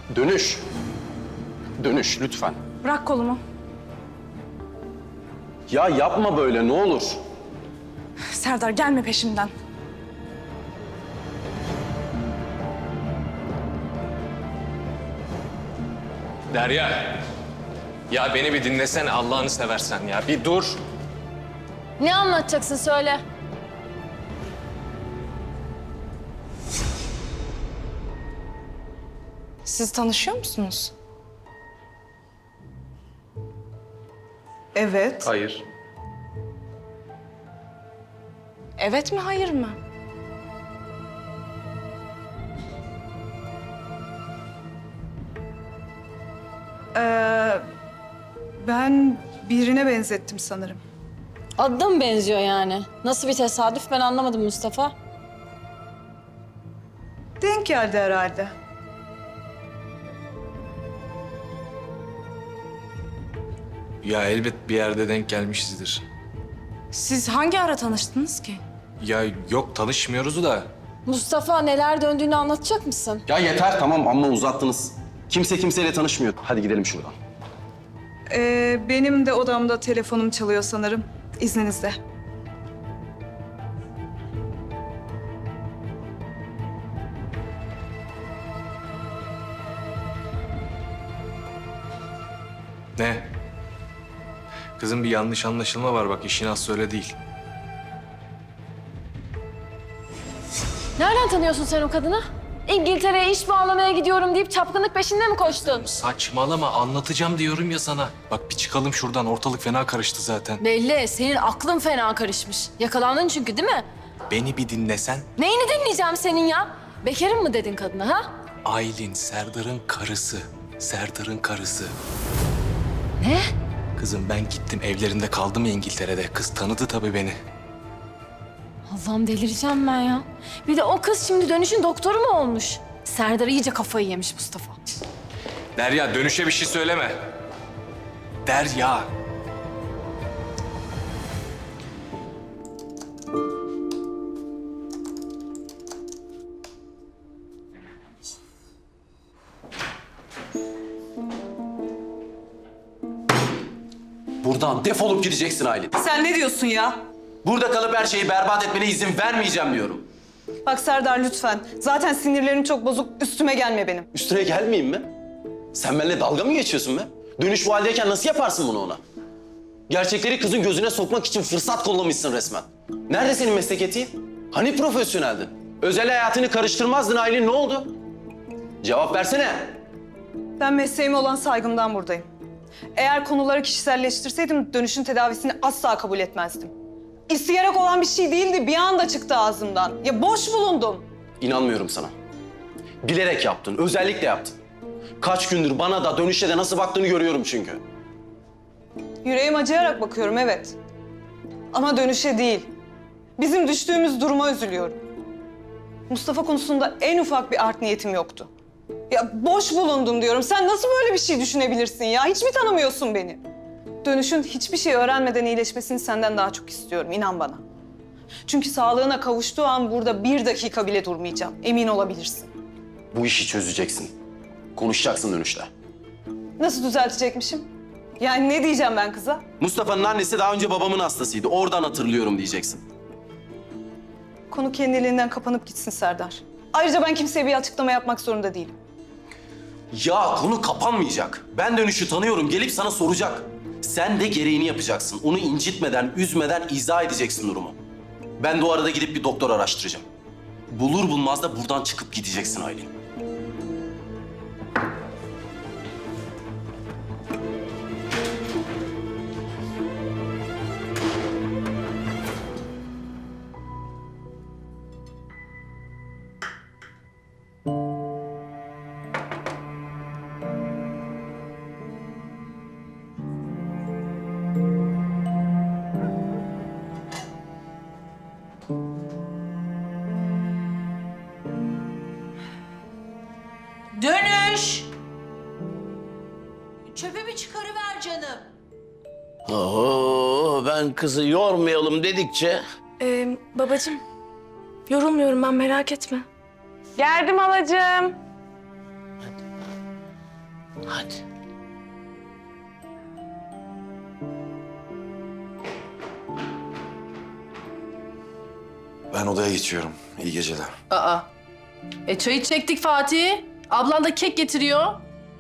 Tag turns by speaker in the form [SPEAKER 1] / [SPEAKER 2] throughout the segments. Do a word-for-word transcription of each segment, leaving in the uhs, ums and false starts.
[SPEAKER 1] Dönüş. Dönüş lütfen.
[SPEAKER 2] Bırak kolumu.
[SPEAKER 1] Ya yapma böyle ne olur.
[SPEAKER 2] Serdar gelme peşimden.
[SPEAKER 3] Derya. Ya beni bir dinlesene Allah'ını seversen ya. Bir dur.
[SPEAKER 4] Ne anlatacaksın söyle.
[SPEAKER 2] Siz tanışıyor musunuz?
[SPEAKER 5] Evet.
[SPEAKER 3] Hayır.
[SPEAKER 2] Evet mi, hayır mı?
[SPEAKER 5] Ee, ben birine benzettim sanırım.
[SPEAKER 4] Adı da mı benziyor yani? Nasıl bir tesadüf ben anlamadım Mustafa.
[SPEAKER 5] Denk geldi herhalde.
[SPEAKER 6] Ya elbet bir yerde denk gelmişizdir.
[SPEAKER 2] Siz hangi ara tanıştınız ki?
[SPEAKER 6] Ya yok tanışmıyoruz da.
[SPEAKER 4] Mustafa neler döndüğünü anlatacak mısın?
[SPEAKER 1] Ya yeter tamam amma uzattınız. Kimse kimseyle tanışmıyor. Hadi gidelim şuradan.
[SPEAKER 5] Ee, benim de odamda telefonum çalıyor sanırım. İzninizle.
[SPEAKER 6] Ne? Kızım bir yanlış anlaşılma var bak işin aslı öyle değil.
[SPEAKER 4] Nereden tanıyorsun sen o kadını? İngiltere'ye iş bağlamaya gidiyorum deyip çapkınlık peşinde mi koştun?
[SPEAKER 6] Saçmalama anlatacağım diyorum ya sana. Bak bir çıkalım şuradan ortalık fena karıştı zaten.
[SPEAKER 4] Belli, senin aklın fena karışmış. Yakalandın çünkü değil mi?
[SPEAKER 6] Beni bir dinlesen.
[SPEAKER 4] Neyini dinleyeceğim senin ya? Bekarım mı dedin kadına ha?
[SPEAKER 6] Aylin Serdar'ın karısı. Serdar'ın karısı.
[SPEAKER 4] Ne?
[SPEAKER 6] Kızım ben gittim evlerinde kaldım ya İngiltere'de. Kız tanıdı tabii beni.
[SPEAKER 4] Allah'ım delireceğim ben ya. Bir de o kız şimdi dönüşün doktoru mu olmuş? Serdar iyice kafayı yemiş Mustafa.
[SPEAKER 6] Derya dönüşe bir şey söyleme. Derya.
[SPEAKER 1] Buradan defolup gideceksin Aylin.
[SPEAKER 5] Sen ne diyorsun ya?
[SPEAKER 1] Burada kalıp her şeyi berbat etmene izin vermeyeceğim diyorum.
[SPEAKER 5] Bak Serdar lütfen. Zaten sinirlerim çok bozuk. Üstüme gelme benim.
[SPEAKER 1] Üstüne gelmeyeyim mi? Sen benimle dalga mı geçiyorsun be? Dönüş bu haldeyken nasıl yaparsın bunu ona? Gerçekleri kızın gözüne sokmak için fırsat kollamışsın resmen. Nerede senin meslek etiğin? Hani profesyoneldin? Özel hayatını karıştırmazdın Aylin, ne oldu? Cevap versene.
[SPEAKER 5] Ben mesleğime olan saygımdan buradayım. Eğer konuları kişiselleştirseydim dönüşün tedavisini asla kabul etmezdim. İsteyerek olan bir şey değildi, bir anda çıktı ağzımdan. Ya boş bulundum.
[SPEAKER 1] İnanmıyorum sana. Bilerek yaptın, özellikle yaptın. Kaç gündür bana da dönüşe de nasıl baktığını görüyorum çünkü.
[SPEAKER 5] Yüreğim acıyarak bakıyorum, evet. Ama dönüşe değil. Bizim düştüğümüz duruma üzülüyorum. Mustafa konusunda en ufak bir art niyetim yoktu. Ya boş bulundum diyorum. Sen nasıl böyle bir şey düşünebilirsin ya? Hiç mi tanımıyorsun beni? Dönüşün hiçbir şey öğrenmeden iyileşmesini senden daha çok istiyorum, inan bana. Çünkü sağlığına kavuştuğu an burada bir dakika bile durmayacağım. Emin olabilirsin.
[SPEAKER 1] Bu işi çözeceksin. Konuşacaksın dönüşte.
[SPEAKER 5] Nasıl düzeltecekmişim? Yani ne diyeceğim ben kıza?
[SPEAKER 1] Mustafa'nın annesi daha önce babamın hastasıydı. Oradan hatırlıyorum diyeceksin.
[SPEAKER 5] Konu kendiliğinden kapanıp gitsin Serdar. Ayrıca ben kimseye bir açıklama yapmak zorunda değilim.
[SPEAKER 1] Ya konu kapanmayacak. Ben dönüşü tanıyorum. Gelip sana soracak. Sen de gereğini yapacaksın. Onu incitmeden, üzmeden izah edeceksin durumu. Ben de o arada gidip bir doktor araştıracağım. Bulur bulmaz da buradan çıkıp gideceksin Aylin.
[SPEAKER 7] Dönüş! Çöpümü çıkarıver canım.
[SPEAKER 8] Oho, ben kızı yormayalım dedikçe...
[SPEAKER 2] Ee, babacığım, yorulmuyorum ben, merak etme.
[SPEAKER 5] Geldim halacığım.
[SPEAKER 8] Hadi.
[SPEAKER 9] Ben odaya geçiyorum. İyi geceler.
[SPEAKER 10] Aa. E çayı çektik Fatih. Ablan da kek getiriyor.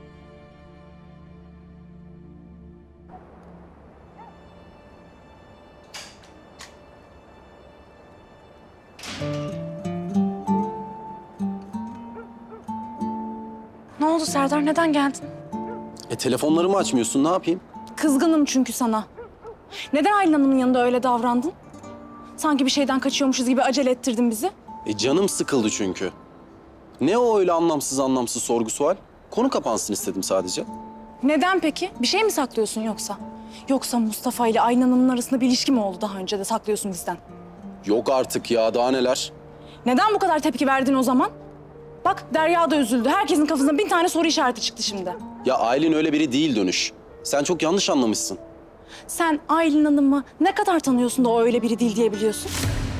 [SPEAKER 2] Ne oldu Serdar? Neden geldin?
[SPEAKER 1] E telefonlarımı açmıyorsun, ne yapayım?
[SPEAKER 2] Kızgınım çünkü sana. Neden Aylin Hanım'ın yanında öyle davrandın? Sanki bir şeyden kaçıyormuşuz gibi acele ettirdin bizi.
[SPEAKER 1] E canım sıkıldı çünkü. Ne o öyle anlamsız anlamsız sorgu sual? Konu kapansın istedim sadece.
[SPEAKER 2] Neden peki? Bir şey mi saklıyorsun yoksa? Yoksa Mustafa ile Aylin Hanım'ın arasında bir ilişki mi oldu daha önce de saklıyorsun bizden?
[SPEAKER 1] Yok artık ya, daha neler?
[SPEAKER 2] Neden bu kadar tepki verdin o zaman? Bak Derya da üzüldü. Herkesin kafasında bin tane soru işareti çıktı şimdi.
[SPEAKER 1] Ya Aylin öyle biri değil Dönüş. Sen çok yanlış anlamışsın.
[SPEAKER 2] Sen Aylin Hanım'ı ne kadar tanıyorsun da o öyle biri değil diyebiliyorsun?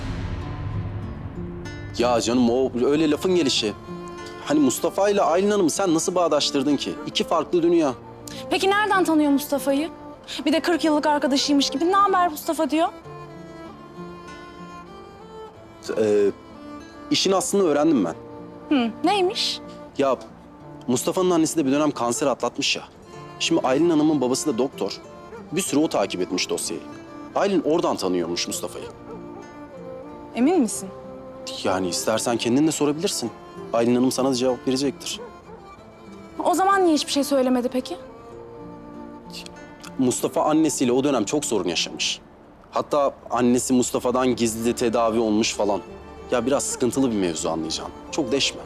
[SPEAKER 1] Ya canım o öyle lafın gelişi. Hani Mustafa ile Aylin Hanım'ı sen nasıl bağdaştırdın ki? İki farklı dünya.
[SPEAKER 2] Peki nereden tanıyor Mustafa'yı? Bir de kırk yıllık arkadaşıymış gibi ne haber Mustafa diyor.
[SPEAKER 1] Ee, işin aslını öğrendim ben.
[SPEAKER 2] Hı, neymiş?
[SPEAKER 1] Ya Mustafa'nın annesi de bir dönem kanser atlatmış ya. Şimdi Aylin Hanım'ın babası da doktor. Bir süre o takip etmiş dosyayı. Aylin oradan tanıyormuş Mustafa'yı.
[SPEAKER 2] Emin misin?
[SPEAKER 1] Yani istersen kendin de sorabilirsin. Aylin Hanım sana da cevap verecektir.
[SPEAKER 2] O zaman niye hiçbir şey söylemedi peki?
[SPEAKER 1] Mustafa annesiyle o dönem çok sorun yaşamış. Hatta annesi Mustafa'dan gizli de tedavi olmuş falan. Ya biraz sıkıntılı bir mevzu anlayacağım. Çok deşme.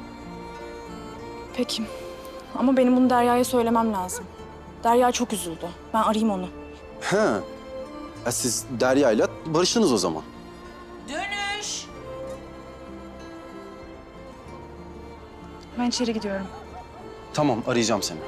[SPEAKER 2] Peki. Ama benim bunu Derya'ya söylemem lazım. Derya çok üzüldü. Ben arayayım onu.
[SPEAKER 1] He. Ya siz Derya'yla barıştınız o zaman.
[SPEAKER 7] Dönüş.
[SPEAKER 2] Ben içeri gidiyorum.
[SPEAKER 1] Tamam, arayacağım seni.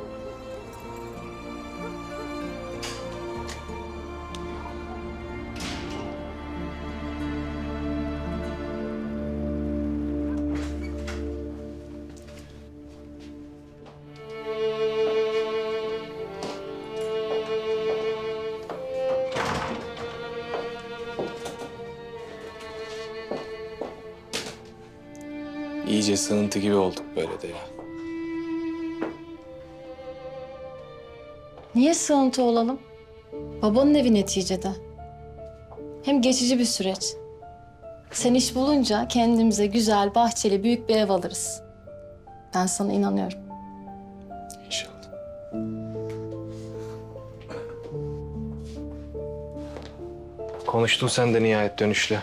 [SPEAKER 6] İyice sığıntı gibi olduk böyle de ya.
[SPEAKER 4] Niye sığıntı olalım? Babanın evi neticede. Hem geçici bir süreç. Sen iş bulunca kendimize güzel, bahçeli, büyük bir ev alırız. Ben sana inanıyorum.
[SPEAKER 6] İnşallah. Konuştun sen de nihayet Dönüş'le.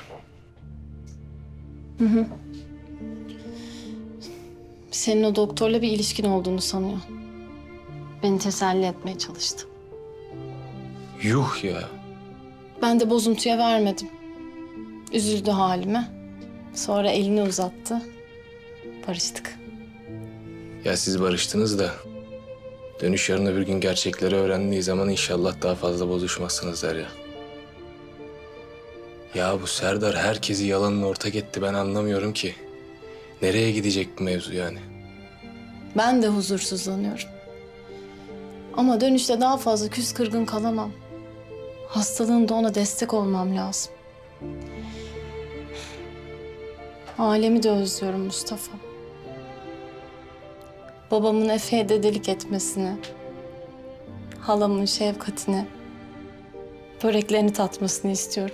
[SPEAKER 4] Senin o doktorla bir ilişkin olduğunu sanıyor. Beni teselli etmeye çalıştı.
[SPEAKER 6] Yuh ya.
[SPEAKER 4] Ben de bozuntuya vermedim. Üzüldü halime. Sonra elini uzattı. Barıştık.
[SPEAKER 6] Ya siz barıştınız da Dönüş yarın öbür gün gerçekleri öğrendiği zaman inşallah daha fazla bozuşmazsınız der ya. Ya bu Serdar herkesi yalanla ortak etti, ben anlamıyorum ki. Nereye gidecek bu mevzu yani?
[SPEAKER 4] Ben de huzursuzlanıyorum. Ama Dönüşte daha fazla küs kırgın kalamam. Hastalığında ona destek olmam lazım. Ailemi de özlüyorum Mustafa. Babamın Efe'ye dedelik etmesini, halamın şefkatini, böreklerini tatmasını istiyorum.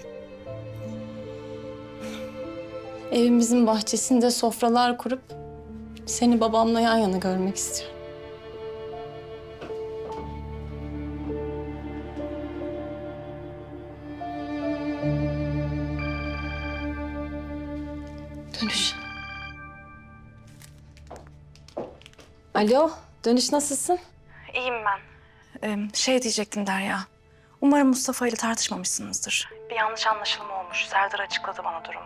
[SPEAKER 4] Evimizin bahçesinde sofralar kurup seni babamla yan yana görmek istiyorum. Dönüş. Alo, Dönüş nasılsın?
[SPEAKER 2] İyiyim ben. Ee, şey diyecektim Derya. Umarım Mustafa ile tartışmamışsınızdır. Bir yanlış anlaşılma olmuş. Serdar açıkladı bana durumu.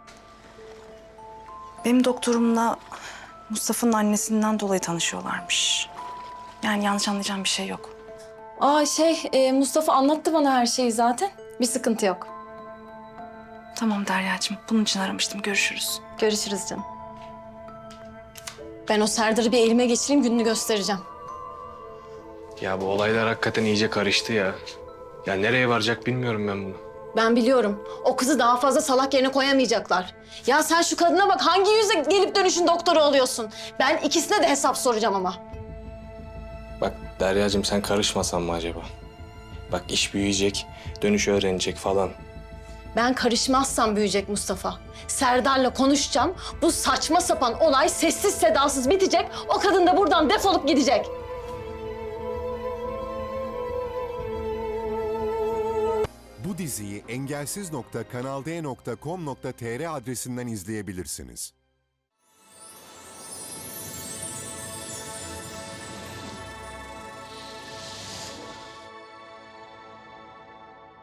[SPEAKER 2] Benim doktorumla Mustafa'nın annesinden dolayı tanışıyorlarmış. Yani yanlış anlayacağım bir şey yok.
[SPEAKER 4] Aa şey, e, Mustafa anlattı bana her şeyi zaten. Bir sıkıntı yok.
[SPEAKER 2] Tamam Derya'cığım. Bunun için aramıştım. Görüşürüz.
[SPEAKER 4] Görüşürüz canım. Ben o Serdar'ı bir elime geçireyim, gününü göstereceğim.
[SPEAKER 6] Ya bu olaylar hakikaten iyice karıştı ya. Ya nereye varacak bilmiyorum ben bunu.
[SPEAKER 4] Ben biliyorum. O kızı daha fazla salak yerine koyamayacaklar. Ya sen şu kadına bak, hangi yüzle gelip dönüşün doktoru oluyorsun? Ben ikisine de hesap soracağım ama.
[SPEAKER 6] Bak Deryacığım, sen karışmasan mı acaba? Bak iş büyüyecek, dönüş öğrenecek falan.
[SPEAKER 4] Ben karışmazsam büyüyecek Mustafa. Serdar'la konuşacağım. Bu saçma sapan olay sessiz sedasız bitecek. O kadın da buradan defolup gidecek.
[SPEAKER 11] Bu diziyi engelsiz nokta kanal d nokta com nokta tr adresinden izleyebilirsiniz.